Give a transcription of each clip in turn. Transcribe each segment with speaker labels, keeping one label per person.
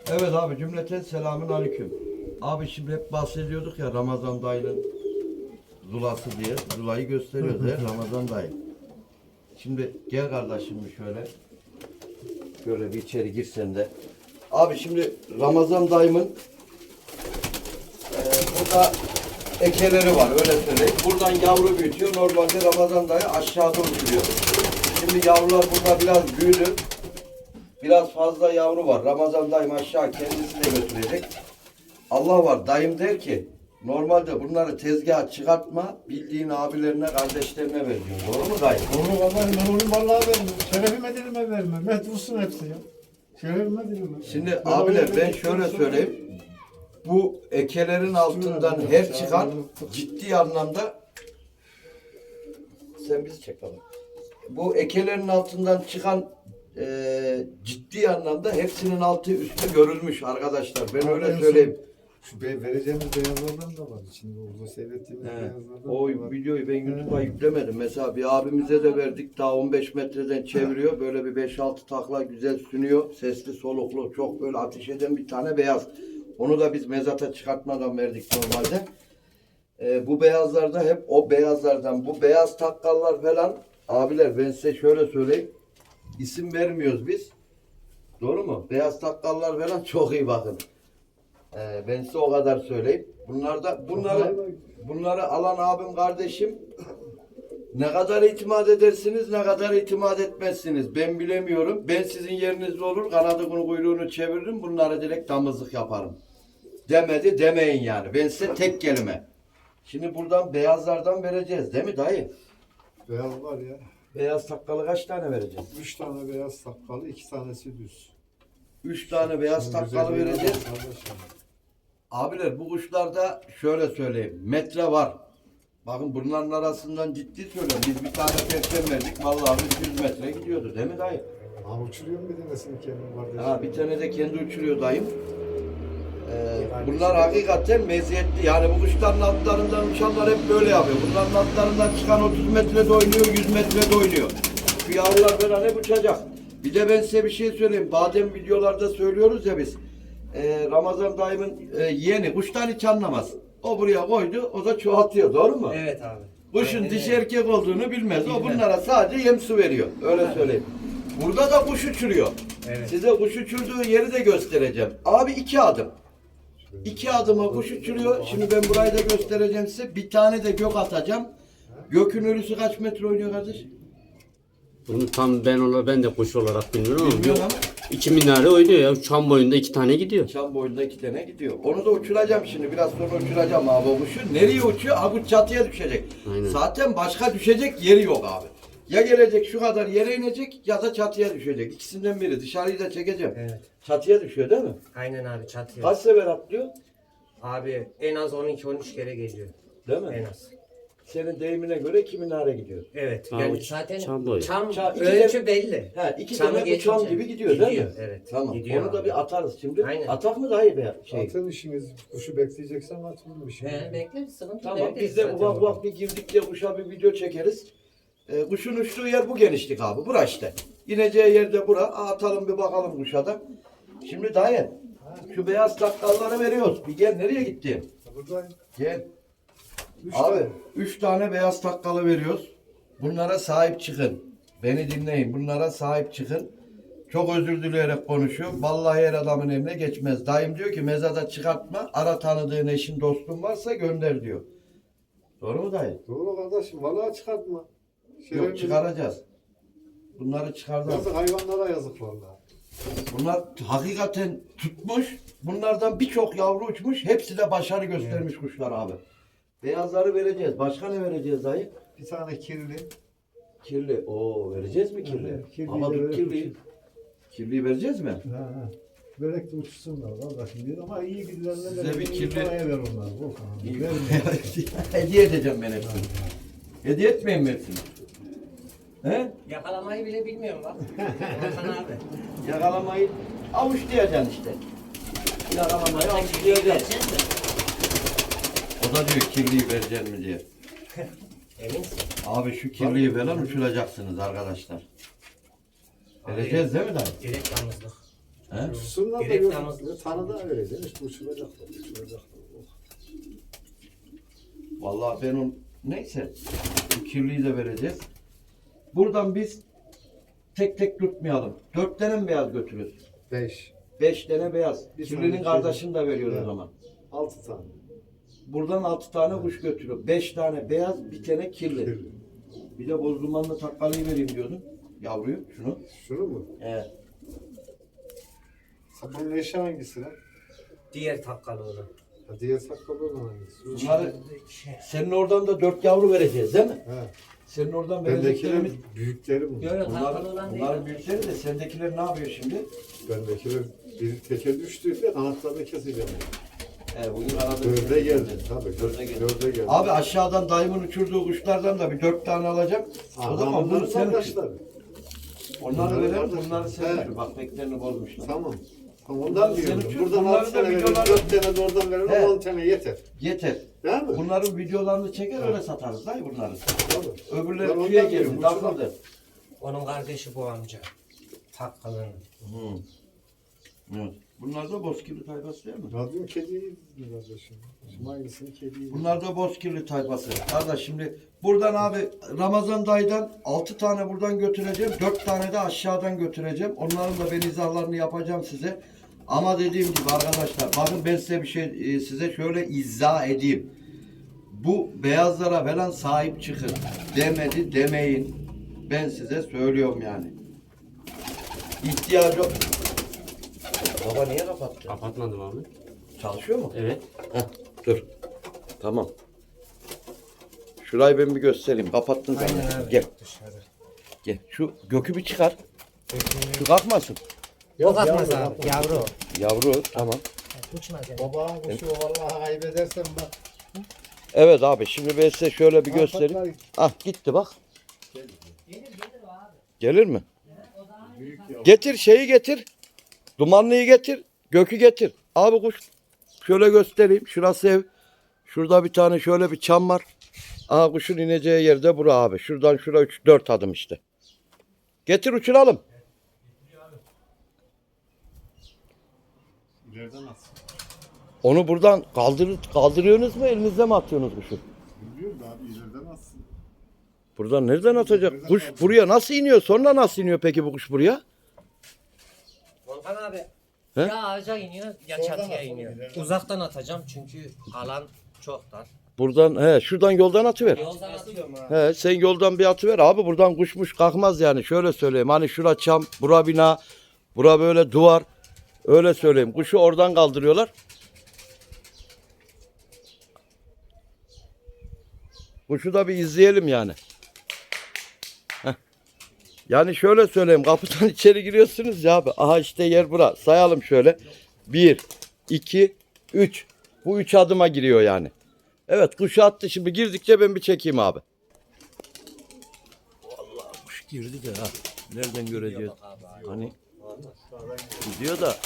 Speaker 1: Evet abi cümleten selamün aleyküm. Abi şimdi hep bahsediyorduk ya Ramazan dayının zulası diye. Zulayı gösteriyoruz ya Ramazan dayı. Şimdi gel kardeşim şöyle. Şöyle bir içeri girsen de. Abi şimdi Ramazan dayımın burada ekeleri var öyle söyleyeyim. Buradan yavru büyütüyor. Normalde Ramazan dayı aşağıda uçuruyor. Şimdi yavrular burada biraz büyüdü. Biraz fazla yavru var. Ramazan dayım aşağı kendisi de götürecek. Allah var. Dayım der ki normalde bunları tezgaha çıkartma, bildiğin abilerine, kardeşlerine ver diyor. Doğru mu dayı?
Speaker 2: Doğru vallahi ben onu vallahi vermem. Şerefime dilime vermem. Metrussun hepsi ya. Şerefime dilime.
Speaker 1: Şimdi abiler ben şöyle söyleyeyim. Bu ekelerin altından her çıkan ciddi anlamda sen bizi çek baba. Bu ekelerin altından çıkan ciddi anlamda hepsinin altı üstü görülmüş arkadaşlar. Ben öyle söyleyeyim.
Speaker 2: Şu vereceğimiz beyazlardan da var. Şimdi orada seyrettiğimiz beyazlardan
Speaker 1: O
Speaker 2: da var.
Speaker 1: videoyu ben YouTube'a yüklemedim. Mesela bir abimize de verdik. Daha 15 metreden çeviriyor. Böyle bir 5-6 takla güzel sünüyor. Sesli soluklu. Çok böyle ateş eden bir tane beyaz. Onu da biz mezata çıkartmadan verdik normalde. Bu beyazlarda hep o beyazlardan. Bu beyaz takkallar falan. Abiler ben size şöyle söyleyeyim. İsim vermiyoruz biz. Doğru mu? Beyaz takkallar falan çok iyi bakın. Ben size o kadar söyleyeyim. Bunları alan abim kardeşim ne kadar itimat edersiniz ne kadar itimat etmezsiniz. Ben bilemiyorum. Ben sizin yerinizde olur kanadını kuyruğunu çeviririm bunları direkt damızlık yaparım. Demedi demeyin yani. Ben size tek kelime. Şimdi buradan beyazlardan vereceğiz değil mi dayı?
Speaker 2: Beyaz var ya.
Speaker 1: Beyaz takkalı kaç tane vereceğiz?
Speaker 2: 3 tane beyaz sakkalı, 2 tanesi düz.
Speaker 1: 3 tane beyaz takkalı vereceğiz. Abiler bu kuşlarda şöyle söyleyeyim. Metre var. Bakın bunların arasından ciddi söylüyorum. Biz bir tane perçem verdik. Vallahi biz 100 metre gidiyordu değil mi dayı?
Speaker 2: Ha uçuruyor mu bir tanesini kendim kardeşim?
Speaker 1: Ha bir tane de kendi uçuruyor dayım. Bunlar hakikaten meziyetli. Yani bu kuşların altlarından uçanlar hep böyle yapıyor. Bunların altlarından çıkan 30 metrede oynuyor, 100 metrede oynuyor. Şu yavrular falan hep uçacak. Bir de ben size bir şey söyleyeyim. Badem videolarda söylüyoruz ya biz. Ramazan dayımın yeğeni kuştan hiç anlamaz. O buraya koydu, o da çoğaltıyor. Doğru mu?
Speaker 3: Evet abi.
Speaker 1: Kuşun
Speaker 3: Aynen
Speaker 1: dişi
Speaker 3: öyle.
Speaker 1: erkek olduğunu bilmez. O
Speaker 3: Bilmez.
Speaker 1: bunlara sadece yem su veriyor. Öyle söyleyeyim. Burada da kuş uçuruyor.
Speaker 3: Evet.
Speaker 1: Size kuş uçurduğu yeri de göstereceğim. Abi 2 adım. 2 adıma kuş uçuruyor. Şimdi ben burayı da göstereceğim size. Bir tane de gök atacağım. Gökün ölüsü kaç metre oynuyor kardeş?
Speaker 4: Bunu tam ben de kuş olarak bilmiyorum ama
Speaker 1: Bilmiyorum ama.
Speaker 4: 2 minare oynuyor ya. Çam boyunda 2 tane gidiyor.
Speaker 1: Çam boyunda 2 tane gidiyor. Onu da uçuracağım şimdi. Biraz sonra uçuracağım abi o kuşu. Nereye uçuyor? Abi çatıya düşecek.
Speaker 4: Aynen.
Speaker 1: Zaten başka düşecek yeri yok abi. Ya gelecek şu kadar yere inecek ya da çatıya düşecek. İkisinden biri. Dışarıyı da çekeceğim.
Speaker 3: Evet.
Speaker 1: Çatıya düşüyor değil mi?
Speaker 3: Aynen abi çatıya.
Speaker 1: Kaç sefer atlıyor?
Speaker 3: Abi en az 12-13 kere geliyor.
Speaker 1: Değil mi?
Speaker 3: En az.
Speaker 1: Senin deyimine göre 2 minare gidiyor.
Speaker 3: Evet.
Speaker 4: Abi,
Speaker 3: Yani zaten
Speaker 4: çam boyu.
Speaker 1: İki
Speaker 3: ölçü
Speaker 1: de-
Speaker 3: belli.
Speaker 1: Ha, 2
Speaker 3: Çamı
Speaker 1: tane bu
Speaker 3: geçince.
Speaker 1: çam gibi gidiyor değil mi?
Speaker 3: Evet.
Speaker 1: Tamam.
Speaker 3: Gidiyor
Speaker 1: Onu da
Speaker 3: abi.
Speaker 1: bir atarız şimdi.
Speaker 3: Aynen.
Speaker 1: Atak mı daha iyi be? Şey.
Speaker 2: Atın işiniz, kuşu bekleyeceksen atın bir şey.
Speaker 3: He, bekle sıkıntı
Speaker 1: Tamam
Speaker 3: değil
Speaker 1: biz de
Speaker 3: zaten
Speaker 1: ufak
Speaker 3: orada.
Speaker 1: ufak bir girdik de kuşa bir video çekeriz. Kuşun uçtuğu yer bu genişlik abi. Bura işte. İneceği yerde bura. Atalım bir bakalım kuşa da. Şimdi dayı şu beyaz takkalları veriyoruz. Bir gel nereye gitti?
Speaker 2: Buradayım.
Speaker 1: Gel.
Speaker 2: 3
Speaker 1: Abi
Speaker 2: tane.
Speaker 1: 3 tane beyaz takkalı veriyoruz. Bunlara sahip çıkın. Beni dinleyin. Bunlara sahip çıkın. Çok özür dileyerek konuşuyor. Vallahi her adamın eline geçmez. Dayım diyor ki mezada çıkartma. Ara tanıdığın eşin dostun varsa gönder diyor. Doğru mu dayı?
Speaker 2: Doğru kardeşim, vallahi çıkartma.
Speaker 1: Yok çıkaracağız. Bunları çıkaracağız.
Speaker 2: Yazık hayvanlara yazık vallahi.
Speaker 1: Bunlar hakikaten tutmuş. Bunlardan birçok yavru uçmuş. Hepsi de başarı göstermiş kuşlar abi. Beyazları vereceğiz. Başka ne vereceğiz dayı?
Speaker 2: Bir tane kirli.
Speaker 1: Kirli. Oo vereceğiz mi kirli?
Speaker 2: Evet, kirliyi
Speaker 1: Ama
Speaker 2: de
Speaker 1: dur
Speaker 2: verip
Speaker 1: kirliyi.
Speaker 2: uçur.
Speaker 1: Kirliyi vereceğiz mi?
Speaker 2: Ha. Börek de uçsunlar kardeşim diyor ama iyi gidilenler
Speaker 1: Size bir kirli-
Speaker 2: paraya ver onları.
Speaker 1: İyi.
Speaker 2: Ver.
Speaker 1: Hediye edeceğim ben hepsini. Hediye etmeyin mi hepsini? He?
Speaker 3: Yakalamayı bile bilmiyorum bak. Hakan abi.
Speaker 1: Yakalamayı avuçlayacaksın işte. Yakalamayı avuçlayacaksın.
Speaker 3: Vereceğiz mi?
Speaker 1: O da diyor kirliyi vereceksin mi diye.
Speaker 3: Eminsin.
Speaker 1: Abi şu kirliyi falan uçuracaksınız arkadaşlar. Vereceğiz değil mi dayı?
Speaker 3: Direkt yalnızlık.
Speaker 1: He?
Speaker 2: Uçsunlar da
Speaker 3: Direkt
Speaker 2: yok.
Speaker 3: namazlı.
Speaker 2: Tanıda vereceksin işte uçuracaklar. Uçuracaklar.
Speaker 1: Vallahi ben on neyse bu kirliyi de vereceğiz. Buradan biz tek tek tutmayalım. 4 tane mi beyaz götürüyoruz?
Speaker 2: 5.
Speaker 1: 5 tane beyaz.
Speaker 2: Bir
Speaker 1: Kirlinin
Speaker 2: tane
Speaker 1: kardeşini de veriyoruz o
Speaker 2: Evet.
Speaker 1: zaman.
Speaker 2: 6 tane.
Speaker 1: Buradan 6 tane kuş götürüyor. 5 tane beyaz, bir tane kirli. Bir de boz dumanlı takkalıyı vereyim diyordun. Yavruyu, şunu.
Speaker 2: Şunu mu?
Speaker 1: Evet.
Speaker 2: Bunun eşi hangisi lan?
Speaker 3: Diğer takkalı olan.
Speaker 2: Ha, diğer sakkalı olan hangisi?
Speaker 1: Bunları senin oradan da 4 yavru vereceğiz değil mi?
Speaker 2: He.
Speaker 1: Senin oradan
Speaker 2: Bendekiler
Speaker 1: vereceklerimiz.
Speaker 2: büyükleri bu.
Speaker 3: Yok yok takkalı olan değil.
Speaker 1: Bunların büyükleri de sendekiler ne yapıyor şimdi?
Speaker 2: Bendekiler bir teke düştüğünde kanatlarını keseceğim.
Speaker 1: Bugün arada
Speaker 2: Dörde geldi. Tabii.
Speaker 1: Dörde geldi.
Speaker 2: Dörde geldi.
Speaker 1: Abi aşağıdan dayımın uçurduğu kuşlardan da bir 4 tane alacağım. O zaman bunu
Speaker 2: bunların
Speaker 1: sen uçur.
Speaker 2: kardeşler.
Speaker 1: Onları
Speaker 2: Bunların
Speaker 1: verelim,
Speaker 2: kardeşler.
Speaker 1: bunları sen
Speaker 2: He.
Speaker 1: uçur. Bak beklerini bozmuşlar.
Speaker 2: Tamam. Ondan
Speaker 1: Sen
Speaker 2: diyorum.
Speaker 1: uçur,
Speaker 2: Buradan
Speaker 1: bunları
Speaker 2: 6
Speaker 1: da
Speaker 2: tane verelim,
Speaker 1: videolar-
Speaker 2: 4 tane de oradan verelim,
Speaker 1: He.
Speaker 2: 10 tane yeter.
Speaker 1: Yeter.
Speaker 2: Değil mi?
Speaker 1: Bunların videolarını çeker öyle satarız dayı bunları.
Speaker 2: Tabii. Ben
Speaker 1: Öbürleri
Speaker 2: ondan
Speaker 1: tüye
Speaker 2: diyorum,
Speaker 1: geldi,
Speaker 2: uçuran-
Speaker 1: takıldı.
Speaker 3: Onun kardeşi bu amca. Takkalının.
Speaker 1: Evet. Bunlar da bozkirli tayfası değil mi?
Speaker 2: Radyo kediyi kardeşim. Şimdi hangisini kediyi?
Speaker 1: Bunlar da bozkirli tayfası. Kardeş şimdi buradan abi Ramazan dayıdan 6 tane buradan götüreceğim. 4 tane de aşağıdan götüreceğim. Onların da ben izahlarını yapacağım size. Ama dediğim gibi arkadaşlar bakın ben size bir şey size şöyle izah edeyim. Bu beyazlara falan sahip çıkın. Demedi demeyin. Ben size söylüyorum yani. İhtiyacı yok. Baba niye kapattı?
Speaker 4: Kapatmadım abi.
Speaker 1: Çalışıyor mu?
Speaker 4: Evet.
Speaker 1: Heh, dur. Tamam. Şurayı ben bir göstereyim. Kapattın sen.
Speaker 3: Aynen abi.
Speaker 1: Gel.
Speaker 3: Dışarı.
Speaker 1: Gel. Şu gökü bir çıkar. Şu kalkmasın.
Speaker 3: Yok atmaz abi. Yavru.
Speaker 1: Yavru tamam.
Speaker 3: Uçmaz yani.
Speaker 2: Baba kuşu vallahi kaybedersen bak.
Speaker 1: Evet abi şimdi ben size şöyle bir göstereyim.
Speaker 2: Patlar.
Speaker 1: Ah gitti bak. Gelir mi?
Speaker 2: Büyük ya.
Speaker 1: Getir şeyi getir. Dumanlıyı getir. Gökü getir. Abi kuş şöyle göstereyim. Şurası ev. Şurada bir tane şöyle bir çam var. Aha kuşun ineceği yerde bura abi. Şuradan şura 3-4 adım işte. Getir uçuralım.
Speaker 2: İleriden atsın.
Speaker 1: Onu buradan kaldırıyorsunuz mu elinizde mi atıyorsunuz kuşu?
Speaker 2: Bilmiyorum da abi ileriden atsın.
Speaker 1: Buradan nereden atacak? Kuş buraya nasıl iniyor? Sonra nasıl iniyor peki bu kuş buraya?
Speaker 3: Volkan abi.
Speaker 1: He?
Speaker 3: Ya ağaca iniyor ya
Speaker 2: Soldan
Speaker 3: çatıya
Speaker 2: at,
Speaker 3: iniyor.
Speaker 2: ileriden.
Speaker 3: Uzaktan atacağım çünkü alan çok dar.
Speaker 1: Buradan şuradan yoldan atıver.
Speaker 3: Yoldan atıyorum abi.
Speaker 1: Sen yoldan bir atıver abi buradan kuşmuş kalkmaz yani şöyle söyleyeyim. Hani şura çam, bura bina, bura böyle duvar. Öyle söyleyeyim. Kuşu oradan kaldırıyorlar. Kuşu da bir izleyelim yani. Heh. Yani şöyle söyleyeyim. Kapıdan içeri giriyorsunuz ya abi. Aha işte yer bura. Sayalım şöyle. 1, 2, 3. Bu 3 adıma giriyor yani. Evet kuşu attı. Şimdi girdikçe ben bir çekeyim abi. Vallahi kuş girdi de ha. Nereden göreceğiz? Hani gidiyor da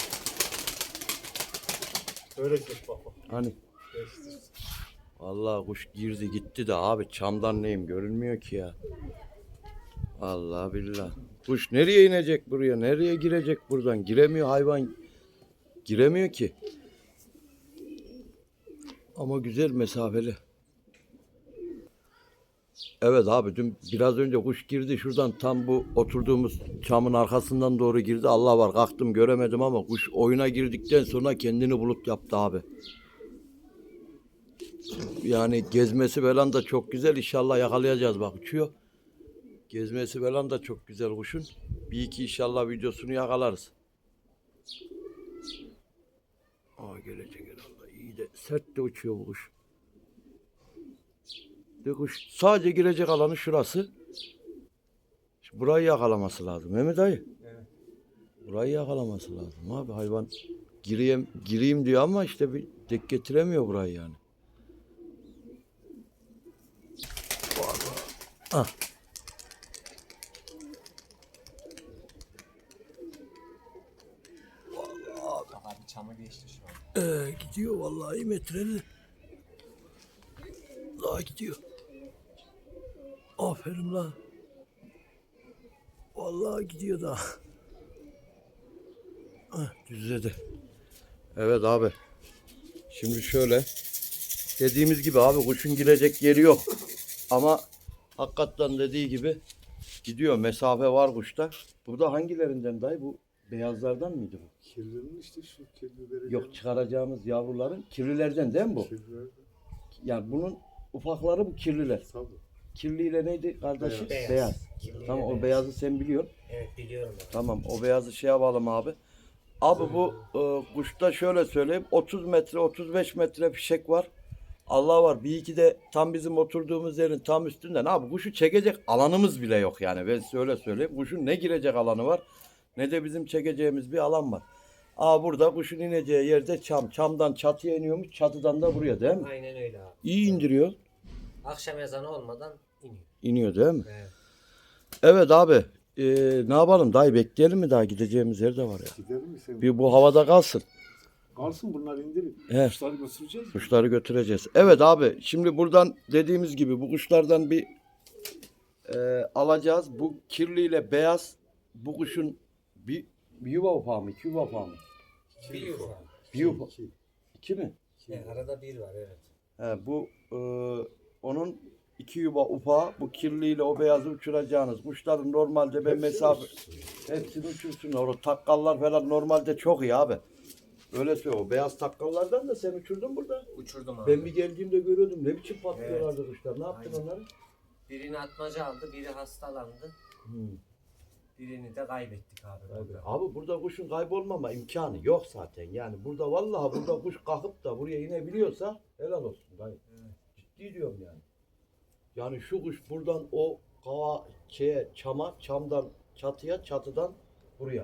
Speaker 2: Öyle çek bak.
Speaker 1: hani. Vallahi kuş girdi gitti de abi çamdan neyim görünmüyor ki ya. Allah billah. Kuş nereye inecek buraya? Nereye girecek buradan? Giremiyor hayvan. Giremiyor ki. Ama güzel mesafeli. Evet abi dün biraz önce kuş girdi şuradan tam bu oturduğumuz çamın arkasından doğru girdi. Allah var kalktım göremedim ama kuş oyuna girdikten sonra kendini bulut yaptı abi. Yani gezmesi falan da çok güzel. İnşallah yakalayacağız bak uçuyor. Gezmesi falan da çok güzel kuşun. Bir iki inşallah videosunu yakalarız. Gelecek herhalde. İyi de sert de uçuyor bu kuş. De kuş sadece girecek alanı şurası. Şimdi burayı yakalaması lazım. Mehmet dayı.
Speaker 3: Evet.
Speaker 1: Burayı yakalaması lazım abi. Hayvan gireyim diyor ama işte bir dek getiremiyor burayı yani. Ah.
Speaker 3: Abi çamı geçti şu an.
Speaker 1: Gidiyor vallahi metreli. Daha gidiyor. Aferin la. Vallahi gidiyor daha. Düzledi. Evet abi. Şimdi şöyle. Dediğimiz gibi abi kuşun girecek yeri yok. Ama hakikaten dediği gibi gidiyor. Mesafe var kuşta. Burada hangilerinden dayı? Bu beyazlardan mıydı bu?
Speaker 2: Kirlerin işte şu kirli vereceğim.
Speaker 1: Yok, çıkaracağımız yavruların kirlilerden değil mi bu?
Speaker 2: Kirliler
Speaker 1: Yani bunun ufakları bu kirliler.
Speaker 2: tabii.
Speaker 1: Kirliyle neydi kardeşim?
Speaker 3: Beyaz.
Speaker 1: Beyaz.
Speaker 3: Kirliyle
Speaker 1: Tamam, o
Speaker 3: beyaz.
Speaker 1: beyazı sen biliyorsun.
Speaker 3: Evet biliyorum abi.
Speaker 1: Tamam, o beyazı şey yapalım abi. Abi bu kuşta şöyle söyleyeyim. 30 metre 35 metre fişek var. Allah var. Bir iki de tam bizim oturduğumuz yerin tam üstünden. Abi kuşu çekecek alanımız bile yok yani. Ben size öyle söyleyeyim. Kuşun ne girecek alanı var ne de bizim çekeceğimiz bir alan var. Aa, burada kuşun ineceği yerde çam. Çamdan çatıya iniyormuş. Çatıdan da buraya değil mi?
Speaker 3: Aynen öyle abi.
Speaker 1: İyi indiriyor.
Speaker 3: Akşam ezanı olmadan iniyor.
Speaker 1: İniyor değil mi?
Speaker 3: Evet.
Speaker 1: Evet abi. Ne yapalım? Daha bekleyelim mi? Daha gideceğimiz yer de var ya.
Speaker 2: Gidelim mi sen?
Speaker 1: Bir bu havada kalsın.
Speaker 2: Kalsın bunlar indirin.
Speaker 1: He.
Speaker 2: Kuşları götüreceğiz mi?
Speaker 1: Kuşları götüreceğiz. Evet abi, şimdi buradan dediğimiz gibi bu kuşlardan bir alacağız. Bu kirliyle beyaz, bu kuşun bir yuva ufağı mı? İki yuva ufağı mı?
Speaker 3: Bir yuva.
Speaker 1: Bir yuva. İki mi?
Speaker 3: Evet, arada bir var evet.
Speaker 1: He, bu onun iki yuva ufağı, bu kirliyle o beyazı uçuracağınız. Kuşların normalde ben mesafe hepsini uçursun. O takkallar falan normalde çok iyi abi. Öyle söylüyor. O beyaz takkallardan da sen uçurdun burada.
Speaker 3: Uçurdum abi.
Speaker 1: Ben bir geldiğimde görüyordum. Ne biçim patlıyorlardı kuşlar. Ne yaptın
Speaker 3: Aynen.
Speaker 1: onları?
Speaker 3: Birini atmaca aldı, biri hastalandı. Birini de kaybettik abi.
Speaker 1: Abi burada kuşun kaybolmama imkanı yok zaten. Yani burada vallahi burada kuş kalkıp da buraya inebiliyorsa helal olsun dayı. Ciddi diyorum yani. Yani şu kuş buradan o kava çama, çamdan çatıya, çatıdan buraya.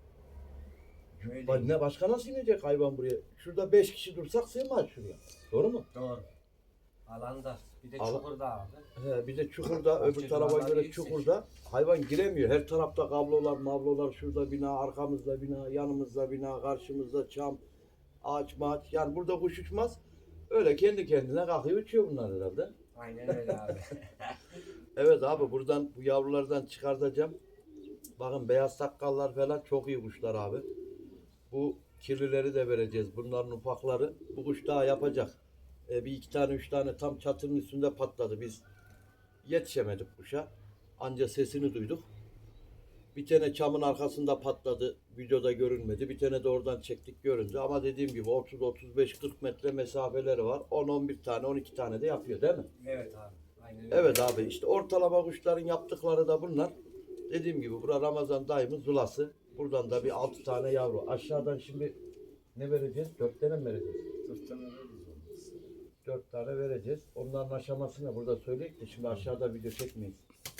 Speaker 3: Öyle.
Speaker 1: Ne başka nasıl inecek hayvan buraya? Şurada 5 kişi dursak sığmaz şuraya. Doğru mu?
Speaker 3: Doğru. Alanda. Bir de
Speaker 1: Al-
Speaker 3: çukurda abi.
Speaker 1: He, bir de çukurda, öbür
Speaker 3: Bahçe
Speaker 1: tarafa
Speaker 3: duvarları
Speaker 1: göre
Speaker 3: yüksek.
Speaker 1: çukurda hayvan giremiyor. Her tarafta kablolar, mablolar, şurada bina, arkamızda bina, yanımızda bina, karşımızda çam, ağaç mağaç. Yani burada kuş uçmaz. Öyle kendi kendine kalkıyor uçuyor bunlar herhalde.
Speaker 3: Aynen öyle abi.
Speaker 1: Evet abi, buradan bu yavrulardan çıkartacağım. Bakın beyaz sakkallar falan çok iyi kuşlar abi. Bu kirlileri de vereceğiz. Bunların ufakları. Bu kuş daha yapacak. Bir iki tane üç tane tam çatının üstünde patladı. Biz yetişemedik kuşa. Anca sesini duyduk. Bir tane çamın arkasında patladı. Videoda görünmedi. Bir tane de oradan çektik, göründü. Ama dediğim gibi 30, 35, 40 metre mesafeleri var. 10, 11 tane, 12 tane de yapıyor değil mi?
Speaker 3: Evet abi. Aynen öyle.
Speaker 1: Evet abi, işte ortalama kuşların yaptıkları da bunlar. Dediğim gibi bura Ramazan dayımın zulası. Buradan da bir 6 tane yavru. Aşağıdan şimdi ne vereceğiz? 4 tane mi vereceğiz?
Speaker 2: 4 tane veririz.
Speaker 1: 4 tane vereceğiz. Onların aşamasını burada söyleyip de şimdi aşağıda video çekmeyiz.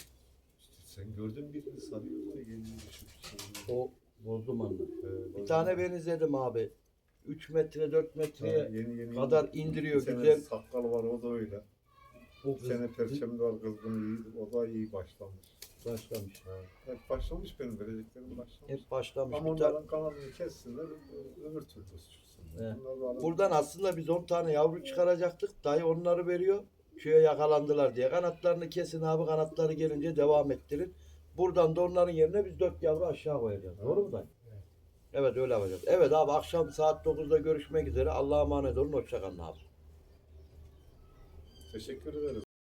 Speaker 2: Sen gördün birini sarıyor da yeni düşüp.
Speaker 1: O bozdum anı. Bir tane ben izledim abi. 3 metre 4 metreye kadar indiriyor güzel.
Speaker 2: Sakkal var o da öyle.
Speaker 1: Bu
Speaker 2: Bu sene perçemde var kızgın iyi. O da iyi başlamış.
Speaker 1: başlamış.
Speaker 2: Hep başlamış benim vereceklerim başlamış.
Speaker 1: Hep başlamış.
Speaker 2: Ama
Speaker 1: Bir tane.
Speaker 2: onların kanadını kessinler öbür türlü uçursun.
Speaker 1: He.
Speaker 2: Bunlar da alalım.
Speaker 1: Buradan aslında biz 10 tane yavru çıkaracaktık. Dayı onları veriyor. Köye yakalandılar diye. Kanatlarını kesin abi. Kanatları gelince devam ettirin. Buradan da onların yerine biz 4 yavru aşağı koyacağız. Doğru mu dayı? Evet, öyle yapacağız. Evet abi, akşam saat 9'da görüşmek üzere. Allah'a emanet olun. Hoşça kalın abi.
Speaker 2: Teşekkür ederim.